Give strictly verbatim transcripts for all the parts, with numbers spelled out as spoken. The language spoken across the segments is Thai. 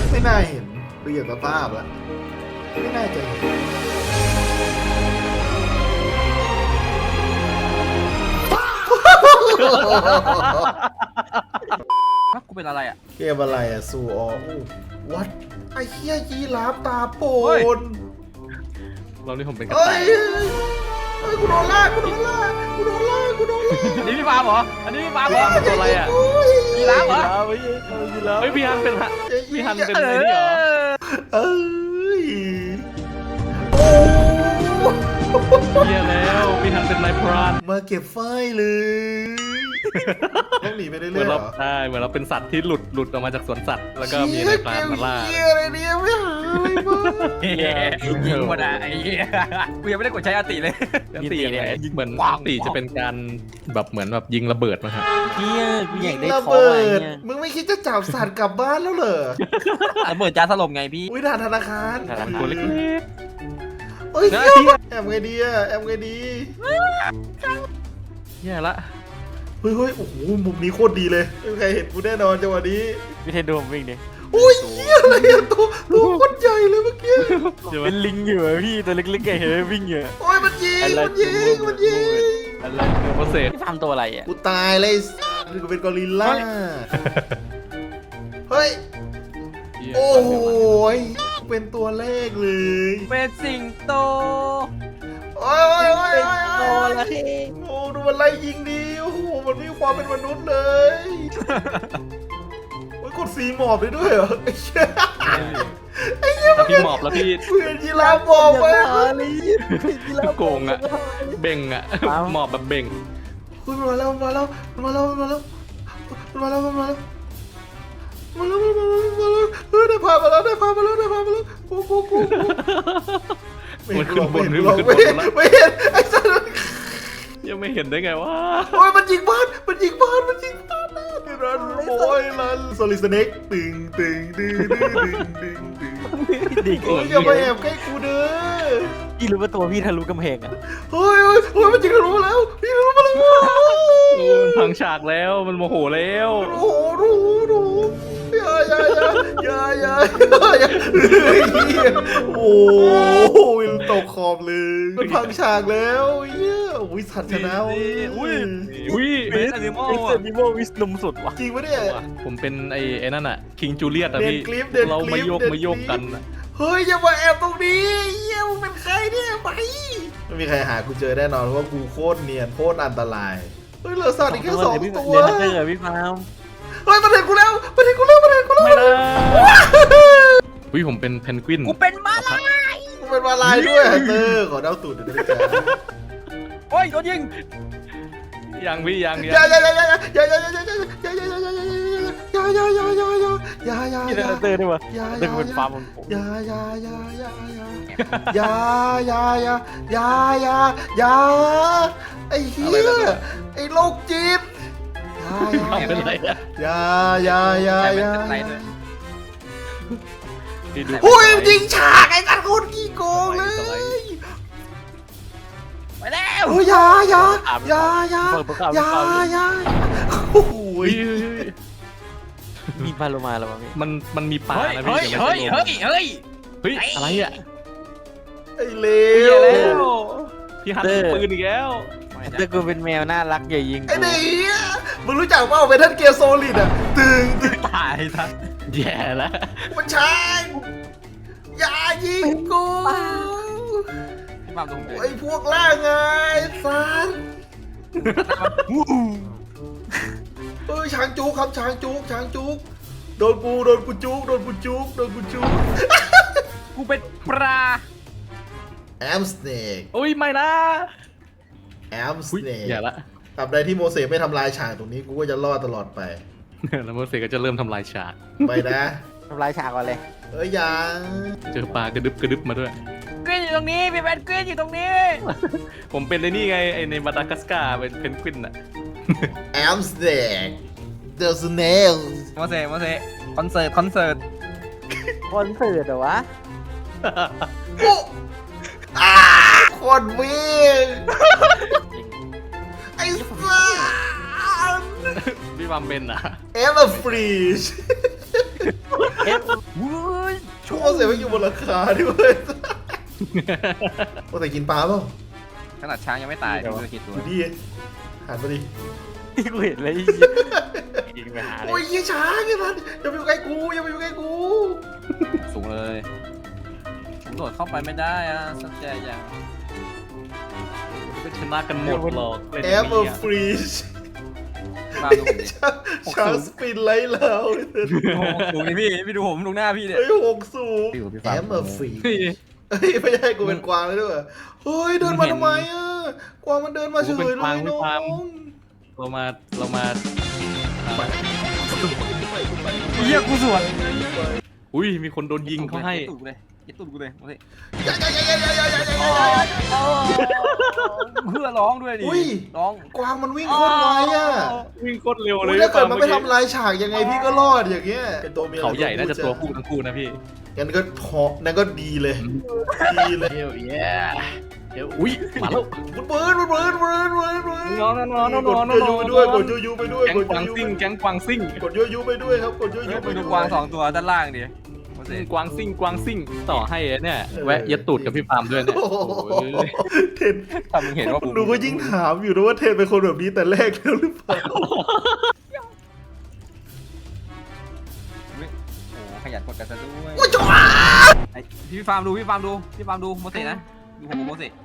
ไม่น่าเห็นดูอย่างสภาพแล้วไม่น่าจะเห็นกูเป็นอะไรอ่ะเกมอะไรอะซูออวัดไอ้เหี้ยยีราฟตาโปนเรานี่ผมเป็นกระเฮ้ต่าย ยเฮ้ยกูโดนล่ากูโดนล่ากูโดนล่ากูโดนล่าอันนี้พี่ฟาร์มเหรออันนี้พี่ฟาร์มเหรอตัวอะไรอ่ะยีราฟเหรอเฮ้ยพี่ฮันเป็นฮะพี่ฮันเป็นไอ้นี่เหรอเอ้ยโอ้เฮียแล้วพี่ฮันเป็นนายพรานมาเก็บไฟเลยต้องหนีไปเรื่เหมืออย นๆเหรเราอใช่เหมือนเราเป็นสัตว์ที่หลุดหลุดออกมาจากสวนสัตว์แล้วก็มีนายพรานมาล่าเหี้ยอะไรเนี่ยไม่หายมายิงหมดอ่ะไอ้เหี้ยกูยังไม่ได้กดใช้อาติเลยอันตีเนี่ยเหมือนอันตีจะเป็นการแบบเหมือนแบบยิงระเบิดมาฮะเฮียกูอยากได้ระของเบิอะไรดเนี่ยมึงไม่คิดจะจับสัตว์กลับบ้านแล้วเหรอระเบิดจานสลบไงพี่อุ้ยด่านธนาคารทางตัวเล็กเฮ้ยนะเหี้ยแอมไงดีอะแอมไงดีๆแย่ละเฮ้ยเฮ้ยโอ้โหมุมนี้โคตรดีเลยไม่มีใครเห็นกูแน่นอนจังหวะนี้พี่เทนดูผมวิ่งดิโอ้ยเหี้ยอะไรอะตัวตัวโคตรใหญ่เลยเมื่อกี้เป็นลิงอยู่อะพี่ตัวเล็กๆไงเห็นไหมวิ่งอยู่อะโอ้ยมันยิงมันยิงมันยิงอะไรโปรเซสพี่ฟาร์มตัวอะไรอ่ะกูตายเลยกูเป็นกอริลล่าเฮ้ยโอ้โหเป็นตัวแรกเลยเป็นสิงโตโอ้ยโอ้ยโอ้ยเป็นโอ้ตัวย อะไรโอ้ดูมันไล่ยิงดีโอ้โหมันมีความเป็นมนุษย์เลยโอ้ยกดสีหมอบได้ด้วยเหรอไอ้เชี่ยถ้าพี่หมอบแล้วพี่เพื่อนยีราฟบอกไปพี่โกงอะเบ่งอะหมอบแบบเบ่งคุณมาแล้วมาแล้วมาแล้วมาแล้วมาแล้วมาแล้วมาแล้วมาแล้วมาแล้วเฮ้ยได้พามาแล้วได้พามาแล้วได้พามาแล้วกูกูกูมันขึ้นบนไม่มันเห็นขึ้นบไม่นเห็นแล้วไม่เห็นไอ้สัตว์ยังไม่เห็นได้ไงวะโอ้ยมันยิงบ้านมันยิงบ้านมันยิงบ้านรันโอ้ยรันโซลิสเน็กตึงตึงดึงดึงดึงดึงดึงดิโอ้ยอย่ามาแอบใกล้กูเด้อพี่รู้ว่าตัวพี่ทะลุกำแพงอ่ะเฮ้ยเฮ้ยเฮ้ยมันยิงทะลุมาแล้วยิงทะลุมาแล้วโอ้มันพังฉากแล้วมันโมโหแล้วโอ้โหดูดูอย่าอย่าอย่าอย่าอย่าอย่าโอ้โหวินตกขอบเลยมันพังฉากแล้วเฮียอุ้ยสัตว์ชนะอุ้ยอุ้ยอุ้ยเป็นอนิมอลไอ้เซอ่ะนิโมวิสนมสุดว่ะจริงปะเนี่ยผมเป็นไอ้ไอ้นั่นอะคิงจูเลียตอะเดินพี่คลิปเดินเราคลิมาปโยกเดินมาโยกคลิปกันอะเฮ้ยอย่ามาแอบตรงนี้เฮียมึงเป็นใครเนี่ยไปไม่มีใครหากูเจอแน่นอนเพราะว่ากูโคตรเนียนโคตรอันตรายเฮ้ยเหลือสัตว์อีกแค่สองตัวเดี๋ยวนะเจอพี่ฟาร์มเฮ้ยมันเห็นกูแล้วมันเห็นกูแล้วมันเห็นกูแล้วไม่นะอุ้ยผมเป็นเพนกวินกูเป็นมาลายกูเป็นมาลายด้วยเตอร์ขอเดาตูดหน่อยได้ไหมจ๊ะโอ้ยโดนยิงยังพี่ยังอยัย่าง อย่าอย่าอย่าอย่าอย่าอย่าอย่าอย่าอย่าอย่าอย่าอย่าอย่าอย่าอย่าอย่าอย่าอย่าอย่าพี่เทนเตอร์ด้วยวะอย่าเดินเป็นฟาร์มของผมอย่าอย่าอย่าอย่าอย่าอย่าอย่าอย่าอย่าอย่าไอ้เหี้ยไอ้โรคจิตอย่าเป็นไรอะอย่าอย่าอย่าอย่าอะไรเนี่ยพี่ดูหุ้ยยิงฉากไอ้กันคนขี้โกงเลยไปแล้วโอ้ยอย่าอย่าอย่าอย่าเปิดประกาศอย่าอย่าโอ้โหอุ้ยมีปลาโลมาแล้ววะพี่มันมันมีปลาเฮ้ยนะเฮ้ยพี่เฮ้ยเฮ้ยเฮ้ยเฮ้ยอะไรอะไอ้เลเหี้ยว แล้ว พี่ฮันมีปืนอีกแล้วแต่กูเป็นแมวน่ารักอย่ายิงไอ้กูเหี้ยมึงรู้จักเปล่าเมทัลเกียร์โซลิดอ่ะตึงตึงตายทันแย่แล้วมันใช่อย่ายิงกูพี่ฟาร์มตรงไหนไอ้พวกล่าไงสันเอ้ยช้างจุกครับช้างจุกช้างจุกโดนกูโดนกูจุกโดนกูจุกโดนกูจุกกูเป็นปลาแอมสเนกอุ้ยไม่นะแอมสอุ้ยเนกแย่ละตราบใดที่โมเสสไม่ทำลายฉากตรงนี้กูก็จะรอดตลอดไปแล้วโมเสสก็จะเริ่มทำลายฉากไปนะทำลายฉากก่อนเลยเอ้ยยังเจอปลากระดึบกระดึบมาด้วยกรีนอยู่ตรงนี้พี่เป็นกรีนอยู่ตรงนี้ผมเป็นไอ้นี่ไงไอในมาดากัสการ์เป็นเพนกวินอะแอมสเนกเดอะสเนลโมเสสโมเสสคอนเสิร์ตคอนเสิร์ตคอนเสิร์ตเหรอวะโอ้อาคนวิ่งไอ้สัสพี่วามเป็นอะเอฟฟรีชเอฟเสียไม่อยู่บนราคาด้วยโอ้แต่กินปลาเปล่าขนาดช้างยังไม่ตายดูกี่ตัวดูดิหันมาดิที่กูเห็นเลยไอ้เหี้ยยิงไปหาเลโอ้ยยยี่ช้างไอ้มันอย่าไปอยู่ใกล้กูอย่าไปอยู่ใกล้กูสูงเลยผมโดดเข้าไปไม่ได้อะสักใจอย่างก็ชนะกันหมดหรอกเล่นแออย่างปเปิลนี้ฟรีชมาดูผมดิช้างสปินไล่เราดูนี่พี่พี่ดูผมดูหน้าพี่เนี่ยเฮ้ยหกสูงพี่กับพี่แอฟ้าปเปิลฟรีเฮ้ยเฮ้ยไม่ใช่กูเป็นกวางเลยด้วยเฮ้ยเดินมาทำไมอ่ะกวางมันเดินมาเฉยเลยน้องเรามาเรามาอ่าเฮียกูสวนอุ้ยมีคนโดนยิงเขาให้ตุ่กูเลยยึดตุ่กูเลยมาสิอย่าอย่าอย่าอย่าอย่าอย่าอย่าเพื่อร้องด้วยดิอุ้ยร้องกวางมันวิ่งโคตรไวอ่ะวิ่งโคตรเร็วเลอุ้ยยถ้าเกิดมันไม่ทำลายฉากยังไงพี่ก็รอดอย่างเงี้ยเป็นตัวเมียเขาใหญ่น่าจะตัวผู้ทั้งคู่นะพี่งั้นก็ทอนั่นก็ดีเลยดีเลยเดี๋ยวแย่เดี๋ยวอุ้ยมาแล้วมันเบิร์นมันเบิร์นเบิร์นเบิร์นเบิร์นนอนนอนนอนนอนนกอนดยูไปด้วยกดยูยูไปด้วยแก๊งกดกวางยูซิ่งแก๊งกวางซิ่งกดยูยูไปด้วยครับกดยูยูเฮ้ยไปไปด้ดูวยกวางสองตัวด้านล่างดิมาสิกวางซิ่งกวางซิ่งต่อให้เนี่ยแวะยัดตูดกับพี่ปาล์มด้วยเนี่ยโอ้โหโอ้ยเทนถ้ามึงเห็นว่าผมดูก็ยิ่งถามอยู่นะว่าเทนเป็นคนแบบนี้แต่แรกแล้วหรือเปล่าโอ้ขยันกดกันซะด้วยไอ้พี่ฟาร์มดูพี่ฟาร์มดูพี่ฟาร์มดูโมเสสนะดูผมกับโมเสส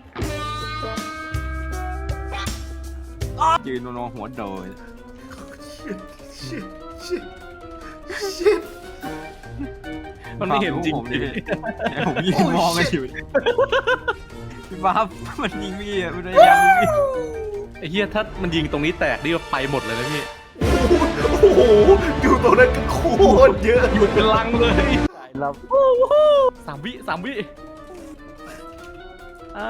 ยืนนอนหัวโดยชิตชิตชิตมันไม่เห็นจริงผมดิผมยิงมองกันอยู่พี่ฟาร์มมันยิงพี่อ่ะมันพยายามยิงพี่ไอ้เหี้ยถ้ามันยิงตรงนี้แตกนี่ก็ไปหมดเลยนะพี่โอ้โหอยู่ตรงนั้นก็โคตรเยอะหยุดเป็นลังเลยเราสามวิสามวิอ่า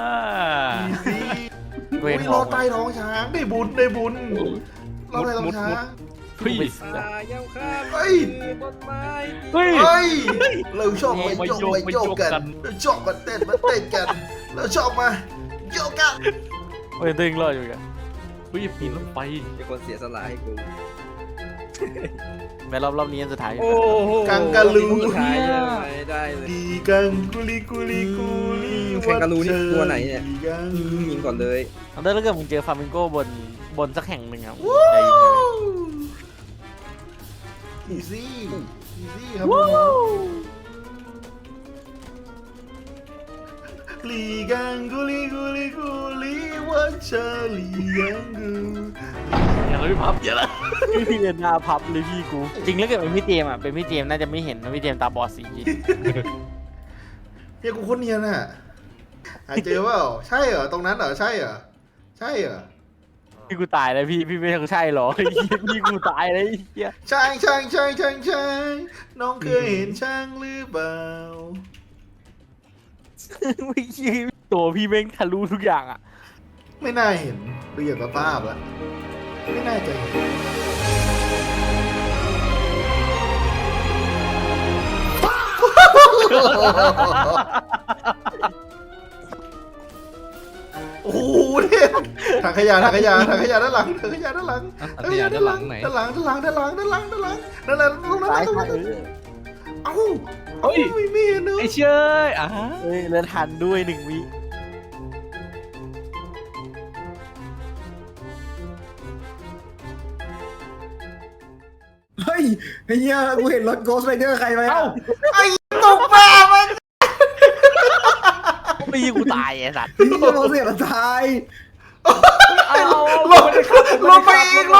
เว้ยรอใต้ท้องช้างได้บุญได้บุญรอใต้ท้องช้างพี่เย้าข้ามเฮ้ยต้นไม้เฮ้ยเฮ้ยเราชอบไปมาโยโยกกไปมาโยโยกกกันกันเราชอบมาเต้นมาเต้นกันเราชอบมาโยกกันเฮ้ยตึงรอดอยู่กันเฮ้ยปีนรถไฟเป็นคนเสียสละให้กูแม้รอบรอบนี้อันสุดท้ายอยู่โอ้โหกังกะลูสุดท้ายไม่ได้เลยดีกังกุลีกุลีกุลีแคนการูนี่ตัวไหนเนี่ยดีกังยิงก่อนเลยเอาถ้าเกิดมึงเจอฟาร์มิงโก้บนบนสักแห่งหนึ่งครับวู้ใจยิงเลยอีซี่อีซี่ครับน้องลีกังกุลีกุลีกุลีว่าเชอลีกังกูอย่าเลยพี่พับอย่าละพี่เรียนหน้าพับเลยพี่กู จริงแล้วเกิดเป็นพี่เจมส์อ่ะเป็นพี่เจมส์น่าจะไม่เห็นนะพี่เจมส์ตาบอดสีเฮียกูโคนเนียนอ่ะหาเจอเปล่าใช่เหรอตรงนั้นเหรอใช่เหรอใช่เหรอพี่กูตายแล้วพี่พี่ไม่ใช่หรอไอ้เหี้ยพี่กูตายเลยไอ้เหี้ยช่างช่างช่างช่างช่างน้องเคยเห็นช่างหรือเปล่าไม่ใช่ตัวพี่แม่งทะลุทุกอย่างอ่ะไม่น่าเห็นดูอย่างสภาพแล้วไม่น่าจะเห็นโอ้โหเนี่ยถังขยะถังขยะถังขยะด้านหลังถังขยะด้านหลังอันนี้ด้านหลังไหนด้านหลังด้านหลังด้านหลังด้านหลังด้านหลังนั่นแหละตรงนั้นตายตรงตานั้ยนเออเอ้าเฮ้ยไม่มีเนอะไอ้เชยอ่ะเฮ้ยแล้วทันด้วยหนึ่งวิเฮ้ยไอ้เหี้ยกูเห็นรถโกสต์ไรเดอร์ใครไปเอ้าไอ้ตกปลามันไม่ยิงกูตายไอ้สัตว์ไอ้เหี้ยโมเสสมันตายเอาเอาลงลงไปอีก